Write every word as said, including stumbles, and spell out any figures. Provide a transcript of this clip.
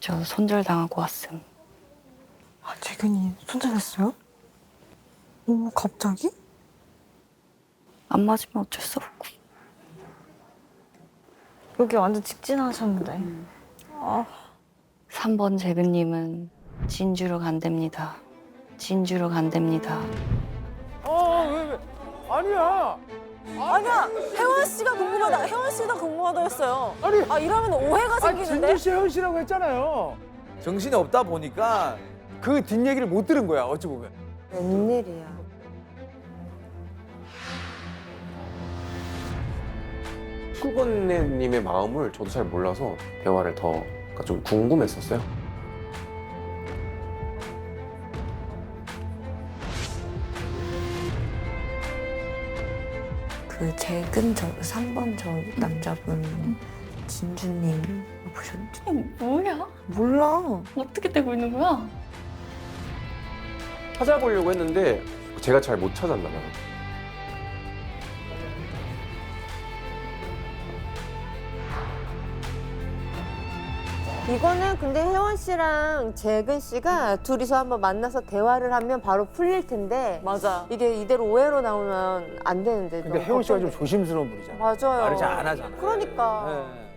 저 손절당하고 왔음. 아, 재균이 손절했어요? 오, 갑자기? 안 맞으면 어쩔 수 없고. 여기 완전 직진하셨는데. 아, 삼 번 재근님은 진주로 간답니다. 진주로 간답니다. 어, 왜, 왜? 아니야. 아니야, 혜원 씨가 궁금하다. 혜원 씨가 궁금하다 했어요. 아니, 아, 이러면 오해가 아, 생기는데? 진주 씨, 혜원 씨라고 했잖아요. 정신이 없다 보니까 그 뒷얘기를 못 들은 거야, 어찌 보면. 웬일이야. 수건님의 마음을 저도 잘 몰라서 대화를 더 그러니까 좀 궁금했었어요. 그 재근 저 삼 번 저 남자분 진주님 보셨죠? 뭐야? 몰라. 어떻게 되고 있는 거야? 찾아보려고 했는데 제가 잘 못 찾았나 봐요. 이거는 근데 혜원 씨랑 재근 씨가 둘이서 한번 만나서 대화를 하면 바로 풀릴 텐데 맞아. 이게 이대로 오해로 나오면 안 되는데. 근데 너무 혜원 씨가 좀 걱정돼. 조심스러운 분이잖아. 맞아요. 말을 잘 안 하잖아. 그러니까. 네.